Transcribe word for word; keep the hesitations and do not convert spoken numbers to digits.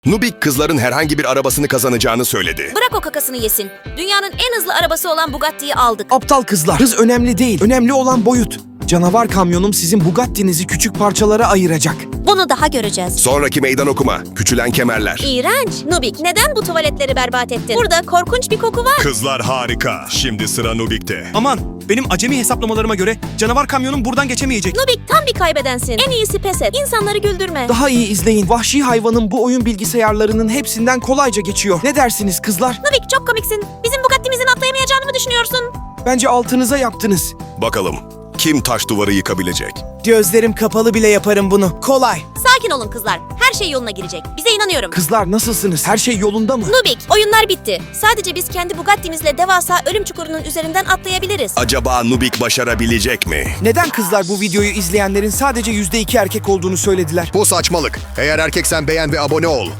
Nubik kızların herhangi bir arabasını kazanacağını söyledi. Bırak o kakasını yesin. Dünyanın en hızlı arabası olan Bugatti'yi aldık. Aptal kızlar. Hız önemli değil. Önemli olan boyut. Canavar kamyonum sizin Bugatti'nizi küçük parçalara ayıracak. Bunu daha göreceğiz. Sonraki meydan okuma. Küçülen kemerler. İğrenç. Nubik, neden bu tuvaletleri berbat ettin? Burada korkunç bir koku var. Kızlar harika. Şimdi sıra Nubik'te. Aman, benim acemi hesaplamalarıma göre canavar kamyonum buradan geçemeyecek. Nubik tam bir kaybedensin. En iyisi pes et. İnsanları güldürme. Daha iyi izleyin. Vahşi hayvanın bu oyun bilgisayarlarının hepsinden kolayca geçiyor. Ne dersiniz kızlar? Nubik çok komiksin. Bizim Bugatti'mizin atlayamayacağını mı düşünüyorsun? Bence altınıza yaptınız. Bakalım kim taş duvarı yıkabilecek? Gözlerim kapalı bile yaparım bunu. Kolay. Sakin olun kızlar. Her şey yoluna girecek. Bize inanıyorum. Kızlar nasılsınız? Her şey yolunda mı? Nubik, oyunlar bitti. Sadece biz kendi Bugatti'mizle devasa ölüm çukurunun üzerinden atlayabiliriz. Acaba Nubik başarabilecek mi? Neden kızlar bu videoyu izleyenlerin sadece yüzde iki erkek olduğunu söylediler? Bu saçmalık. Eğer erkeksen beğen ve abone ol.